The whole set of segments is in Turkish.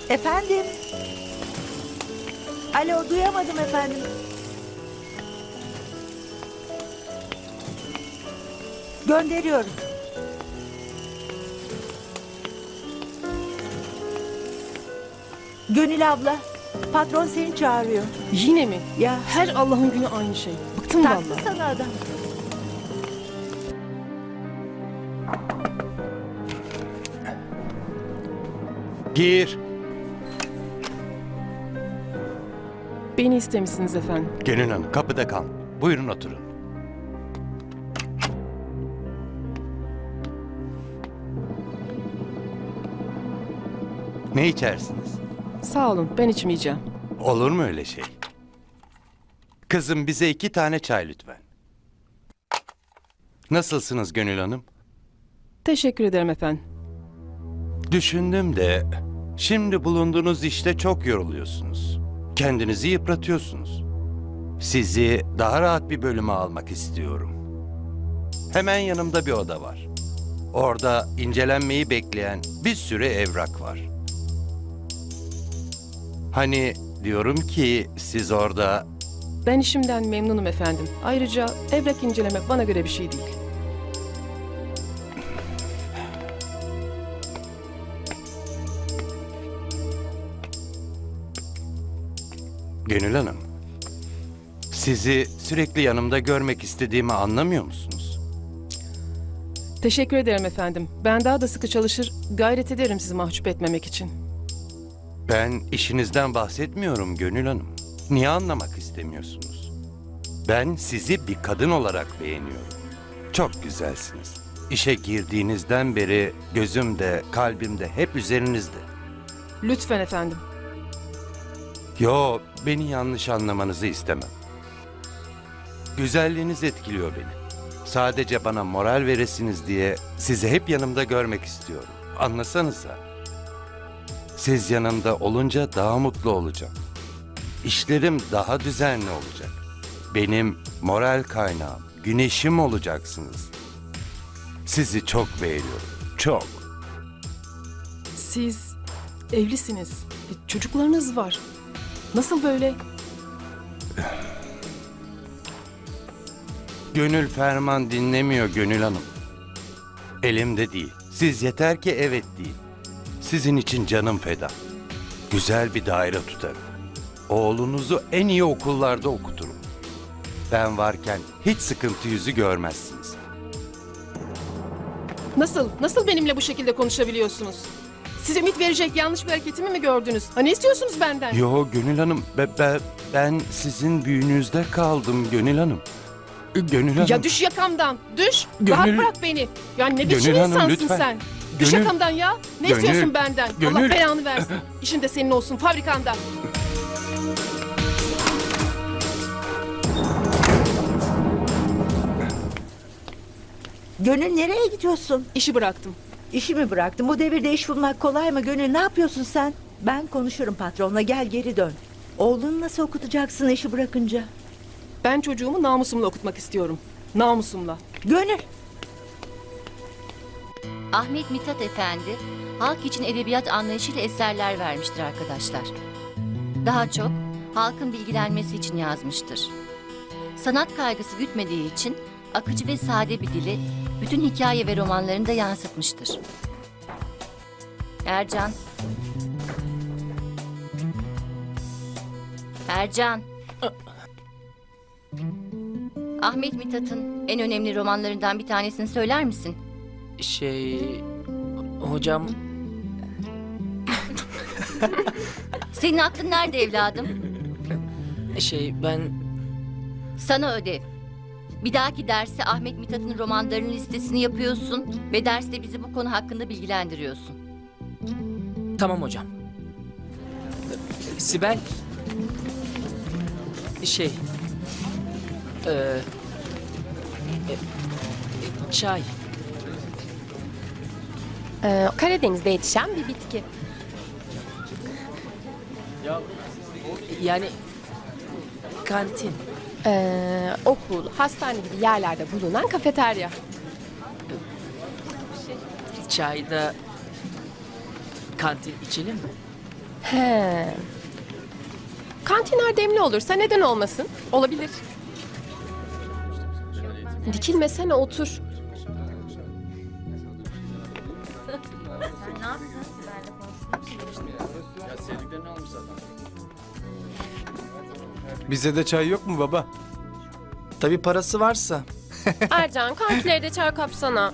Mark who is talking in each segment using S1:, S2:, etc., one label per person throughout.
S1: Efendim? Alo, duyamadım efendim. Gönderiyorum. Gönül abla, patron seni çağırıyor.
S2: Yine mi?
S1: Ya,
S2: Her Allah'ın günü aynı şey. Bıktım
S1: taktı
S2: vallahi.
S1: sana adam.
S3: Gir.
S2: Beni istemişsiniz efendim.
S3: Gönül Hanım kapıda kal. Buyurun oturun. Ne içersiniz?
S2: Sağ olun, ben içmeyeceğim.
S3: Olur mu öyle şey? Kızım bize 2 tane çay lütfen. Nasılsınız Gönül Hanım?
S2: Teşekkür ederim efendim.
S3: Düşündüm de şimdi bulunduğunuz işte çok yoruluyorsunuz. Kendinizi yıpratıyorsunuz. Sizi daha rahat bir bölüme almak istiyorum. Hemen yanımda bir oda var. Orada incelenmeyi bekleyen bir sürü evrak var. Hani diyorum ki siz orada...
S2: Ben işimden memnunum efendim. Ayrıca evrak incelemek bana göre bir şey değil.
S3: Gönül Hanım, sizi sürekli yanımda görmek istediğimi anlamıyor musunuz?
S2: Teşekkür ederim efendim. Ben daha da sıkı çalışır, gayret ederim sizi mahcup etmemek için.
S3: Ben işinizden bahsetmiyorum Gönül Hanım. Niye anlamak istemiyorsunuz? Ben sizi bir kadın olarak beğeniyorum. Çok güzelsiniz. İşe girdiğinizden beri gözümde, kalbimde hep üzerinizde.
S2: Lütfen efendim.
S3: Yo, beni yanlış anlamanızı istemem. Güzelliğiniz etkiliyor beni. Sadece bana moral veresiniz diye sizi hep yanımda görmek istiyorum. Anlasanıza. Siz yanımda olunca daha mutlu olacağım. İşlerim daha düzenli olacak. Benim moral kaynağım, güneşim olacaksınız. Sizi çok beğeniyorum, çok.
S2: Siz evlisiniz. Çocuklarınız var. Nasıl böyle?
S3: Gönül ferman dinlemiyor Gönül Hanım. Elimde değil. Siz yeter ki evet deyin. Sizin için canım feda. Güzel bir daire tutarım. Oğlunuzu en iyi okullarda okuturum. Ben varken hiç sıkıntı yüzü görmezsiniz.
S2: Nasıl benimle bu şekilde konuşabiliyorsunuz? Size ümit verecek yanlış bir hareketimi mi gördünüz? Ha, ne istiyorsunuz benden?
S3: Yo Gönül Hanım, ben sizin büyünüzde kaldım Gönül Hanım. Gönül Hanım.
S2: Ya düş yakamdan, düş.
S3: Gönül-
S2: Rahat bırak beni. Ya ne biçim
S3: Gönül Hanım,
S2: insansın
S3: lütfen.
S2: sen? Düş
S3: Gönül-
S2: yakamdan ya. Ne
S3: Gönül-
S2: istiyorsun benden? Allah
S3: Gönül-
S2: belanı versin. İşin de senin olsun, fabrikanda.
S1: Gönül nereye gidiyorsun?
S2: İşi bıraktım.
S1: İşi mi bıraktın? Bu devirde iş bulmak kolay mı Gönül? Ne yapıyorsun sen? Ben konuşurum patronla, gel geri dön. Oğlunu nasıl okutacaksın işi bırakınca?
S2: Ben çocuğumu namusumla okutmak istiyorum. Namusumla.
S1: Gönül!
S4: Ahmet Mithat Efendi, halk için edebiyat anlayışıyla eserler vermiştir arkadaşlar. Daha çok halkın bilgilenmesi için yazmıştır. Sanat kaygısı gütmediği için akıcı ve sade bir dili bütün hikaye ve romanlarında yansıtmıştır. Ercan. Ercan. Ahmet Mithat'ın en önemli romanlarından bir tanesini söyler misin?
S5: Hocam
S4: Senin aklın nerede evladım?
S5: ben
S4: Sana ödev. Bir dahaki derse Ahmet Mithat'ın romanlarının listesini yapıyorsun ve derste bizi bu konu hakkında bilgilendiriyorsun.
S5: tamam hocam. Sibel e, çay
S6: Karadeniz'de yetişen bir bitki.
S5: yani kantin
S6: Okul, hastane gibi yerlerde bulunan kafeterya.
S5: çayda kantin içelim mi?
S6: He. Kantiner demli olursa neden olmasın? Olabilir. Dikilmesene, otur.
S7: Bize de çay yok mu baba? Tabii parası varsa.
S6: Ercan, kankileri de çay kapsana.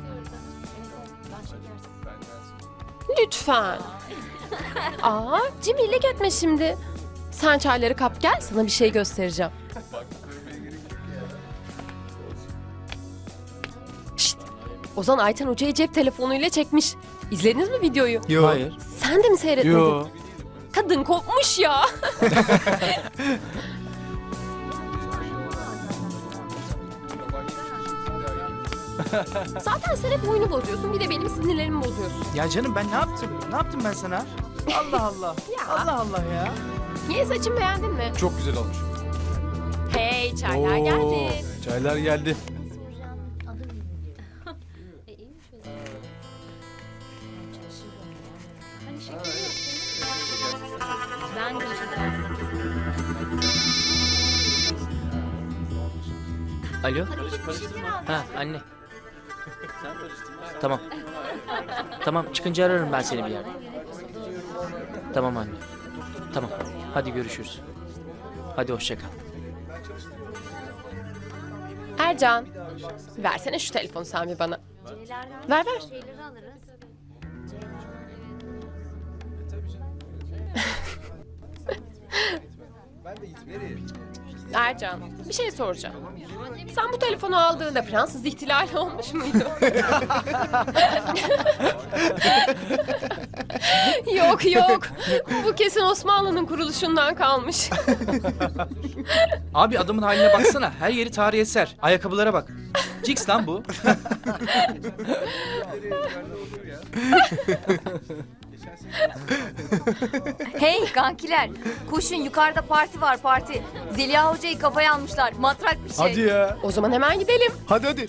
S6: Lütfen. Aa, cimrilik etme şimdi. Sen çayları kap gel, sana bir şey göstereceğim. Şşt, Ozan Ayten Hoca'yı cep telefonuyla çekmiş. İzlediniz mi videoyu?
S7: Yok. Hayır.
S6: Sen de mi seyretmedin?
S7: Yok.
S6: Kadın kopmuş ya. Zaten sen hep oyunu bozuyorsun, bir de benim sinirlerimi bozuyorsun.
S8: Ya canım ben ne yaptım? Ne yaptım ben sana? Allah Allah.
S6: Ya.
S8: Allah Allah ya.
S6: Niye, saçımı beğendin mi?
S7: Çok güzel olmuş.
S6: Hey, çaylar geldi.
S7: Çaylar geldi.
S4: Ben de
S5: Alo? Ha anne. Tamam. Tamam çıkınca ararım ben seni bir yerde. Tamam anne. Tamam. Hadi görüşürüz. Hadi hoşça kal.
S6: Ercan, versene şu telefonu sen bir bana. Ver ver. Ercan, bir şey soracağım. Sen bu telefonu aldığında Fransız ihtilali olmuş muydu? Yok yok. Bu kesin Osmanlı'nın kuruluşundan kalmış.
S8: Abi adamın haline baksana. Her yeri tarihi eser. Ayakkabılara bak. Jigs lan bu.
S9: Hey kankiler, koşun yukarıda parti var parti. Zeliha hocayı kafaya almışlar, matrak bir şey.
S7: Hadi ya.
S6: O zaman hemen gidelim.
S7: Hadi.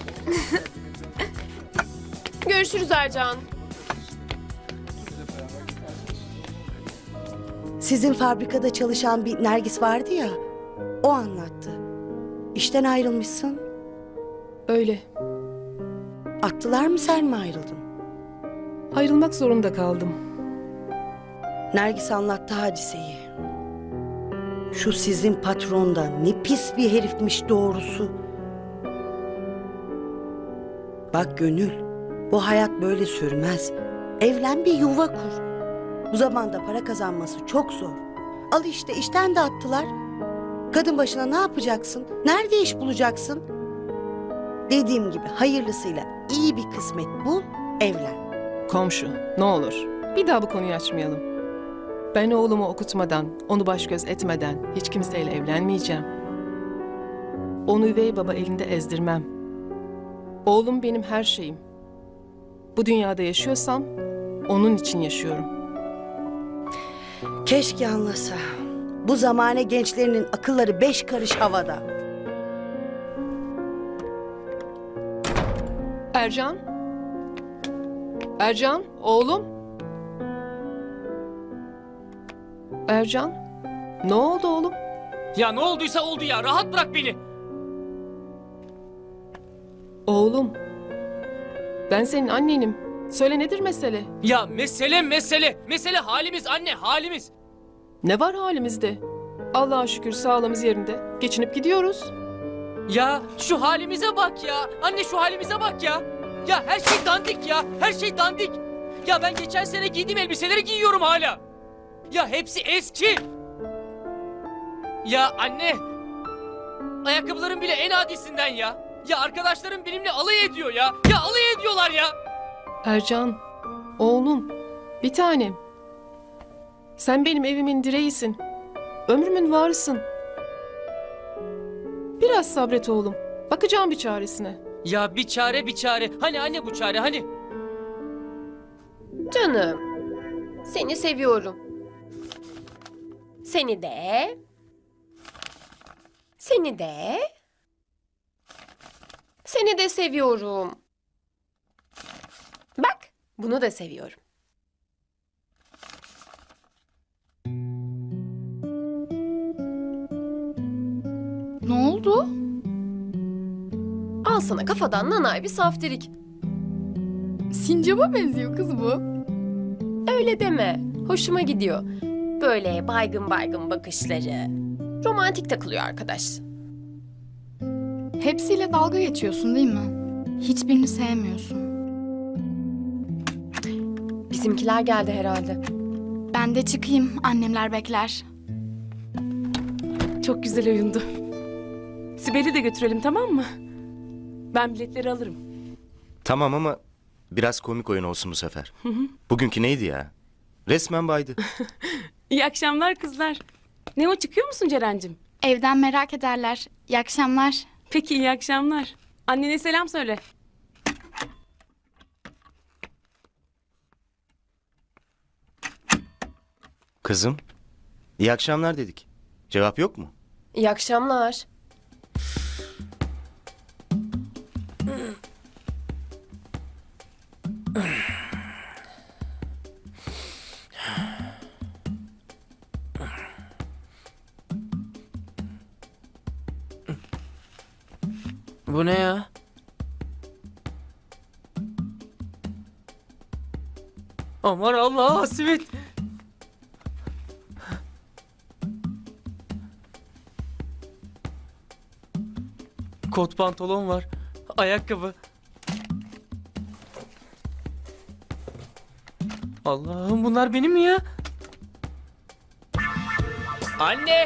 S6: Görüşürüz Ercan.
S10: Sizin fabrikada çalışan bir Nergis vardı ya, o anlattı. İşten ayrılmışsın.
S2: Öyle.
S10: Attılar mı, sen mi ayrıldın?
S2: Ayrılmak zorunda kaldım.
S10: Nergis anlattı hadiseyi. Şu sizin patron da ne pis bir herifmiş doğrusu. Bak Gönül, bu hayat böyle sürmez. Evlen, bir yuva kur. Bu zamanda para kazanması çok zor. Al işte, işten de attılar. Kadın başına ne yapacaksın? Nerede iş bulacaksın? Dediğim gibi hayırlısıyla iyi bir kısmet bul, evlen.
S2: Komşu, ne olur. Bir daha bu konuyu açmayalım. Ben oğlumu okutmadan, onu baş göz etmeden hiç kimseyle evlenmeyeceğim. Onu üvey baba elinde ezdirmem. Oğlum benim her şeyim. Bu dünyada yaşıyorsam onun için yaşıyorum.
S10: Keşke anlasa. Bu zamane gençlerinin akılları 5 karış havada.
S2: Ercan? Ercan, oğlum? Ercan? Ne oldu oğlum?
S5: Ya ne olduysa oldu ya. Rahat bırak beni.
S2: Oğlum. Ben senin annenim. Söyle, nedir mesele?
S5: Ya mesele halimiz anne, halimiz.
S2: Ne var halimizde? Allah'a şükür sağlığımız yerinde. Geçinip gidiyoruz.
S5: Ya şu halimize bak ya. Anne şu halimize bak ya. Ya her şey dandik ya. Her şey dandik. Ya ben geçen sene giydiğim elbiseleri giyiyorum hala. Ya hepsi eski. Ya anne. Ayakkabılarım bile en adisinden ya. Ya arkadaşlarım benimle alay ediyor ya. Ya alay ediyorlar ya.
S2: Ercan, oğlum, bir tanem. Sen benim evimin direğisin. Ömrümün varısın. Biraz sabret oğlum. Bakacağım bir çaresine.
S5: Ya bir çare. Hani anne bu çare hani?
S6: Canım, seni seviyorum. Seni de. Seni de. Seni de seviyorum. Bak, bunu da seviyorum. oldu? Al sana kafadan nanay bir saftirik. Sincap'a benziyor kız bu. Öyle deme. Hoşuma gidiyor. Böyle baygın baygın bakışları. Romantik takılıyor arkadaş.
S11: Hepsiyle dalga geçiyorsun değil mi? Hiçbirini sevmiyorsun.
S6: Bizimkiler geldi herhalde.
S11: Ben de çıkayım, annemler bekler.
S12: Çok güzel oyundu. Sibel'i de götürelim, tamam mı? Ben biletleri alırım.
S13: Tamam ama biraz komik oyun olsun bu sefer. Bugünkü neydi ya? Resmen baydı.
S12: İyi akşamlar kızlar. Ne o, çıkıyor musun Ceren'cim?
S11: Evden merak ederler. İyi akşamlar.
S12: Peki, iyi akşamlar. Annene selam söyle.
S13: Kızım, iyi akşamlar dedik. Cevap yok mu?
S6: İyi akşamlar.
S5: Bu ne ya? Aman Allah, simit. Kot pantolon var. Ayakkabı. Allah'ım, bunlar benim mi ya? Anne!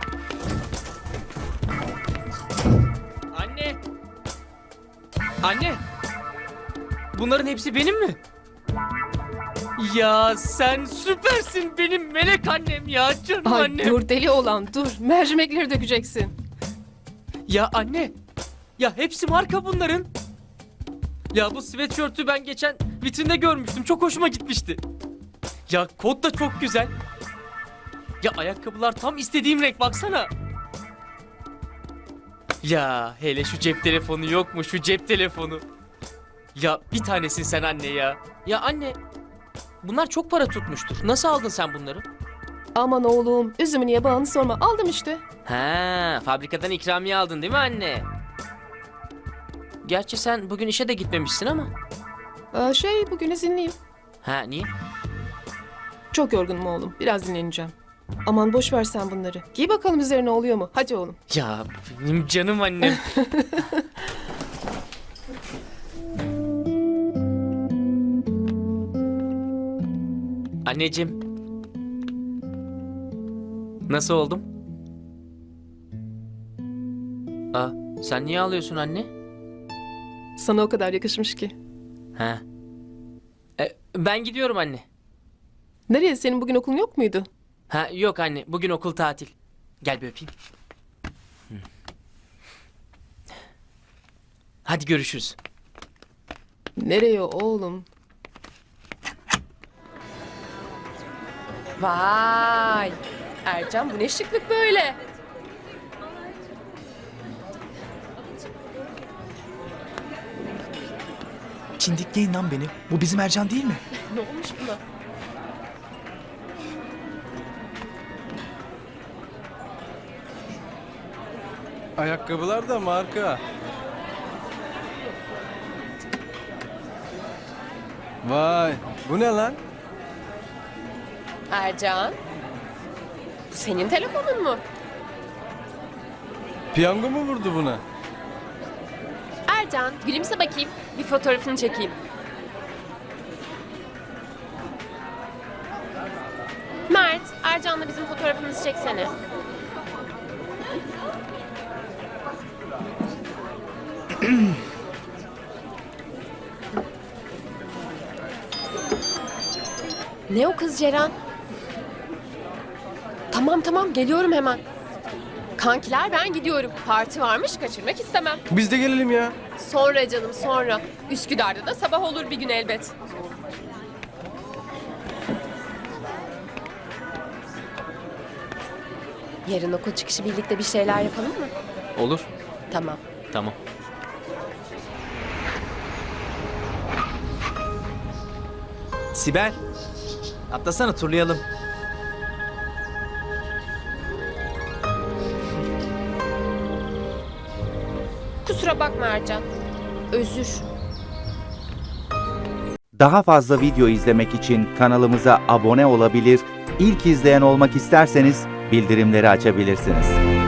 S5: Anne! Anne! Bunların hepsi benim mi? Ya sen süpersin, benim melek annem ya, canım
S2: Ay
S5: annem.
S2: dur deli olan dur. Mercimekleri dökeceksin.
S5: Ya anne, ya hepsi marka bunların. Ya bu sweatshirt'ü ben geçen vitrinde görmüştüm, çok hoşuma gitmişti. Ya kot da çok güzel. Ya ayakkabılar tam istediğim renk, baksana. Ya hele şu cep telefonu yok mu, şu cep telefonu? Ya bir tanesin sen anne ya. Ya anne, bunlar çok para tutmuştur. Nasıl aldın sen bunları?
S2: Aman oğlum üzümü niye bağını sorma. Aldım işte.
S5: Ha, fabrikadan ikramiye aldın değil mi anne? Gerçi sen bugün işe de gitmemişsin ama.
S2: Bugün izinliyim.
S5: Ha, niye?
S2: Çok yorgunum oğlum. Biraz dinleneceğim. Aman boş ver sen bunları. Giy bakalım üzerine oluyor mu? Hadi oğlum.
S5: Ya benim canım annem. Anneciğim. Nasıl oldum? Aa, sen niye ağlıyorsun anne?
S2: Sana o kadar yakışmış ki.
S5: Ha. Ben gidiyorum anne.
S2: Nereye? Senin bugün okulun yok muydu?
S5: Ha, yok anne, bugün okul tatil. Gel bir öpeyim. Hı. Hadi görüşürüz.
S2: Nereye oğlum?
S6: Vay! Ercan, bu ne şıklık böyle?
S7: Çindikleyin lan beni. Bu bizim Ercan değil mi?
S6: Ne olmuş buna?
S8: Ayakkabılar da marka. Vay, bu ne lan?
S6: Ercan, bu senin telefonun mu?
S8: Piyango mu vurdu buna?
S6: Ercan, gülümse bakayım. Bir fotoğrafını çekeyim. Mert, Ercan'la bizim fotoğrafımızı çeksene. Ne o kız Ceren? Tamam geliyorum hemen. Kankiler ben gidiyorum. Parti varmış, kaçırmak istemem.
S8: Biz de gelelim ya.
S6: Sonra canım sonra. Üsküdar'da da sabah olur bir gün elbet. Yarın okul çıkışı birlikte bir şeyler yapalım mı?
S5: Olur.
S6: Tamam.
S5: Tamam.
S7: Sibel. Atlasana turlayalım.
S6: Kusura bakma Ercan. Özür.
S14: Daha fazla video izlemek için kanalımıza abone olabilir, ilk izleyen olmak isterseniz bildirimleri açabilirsiniz.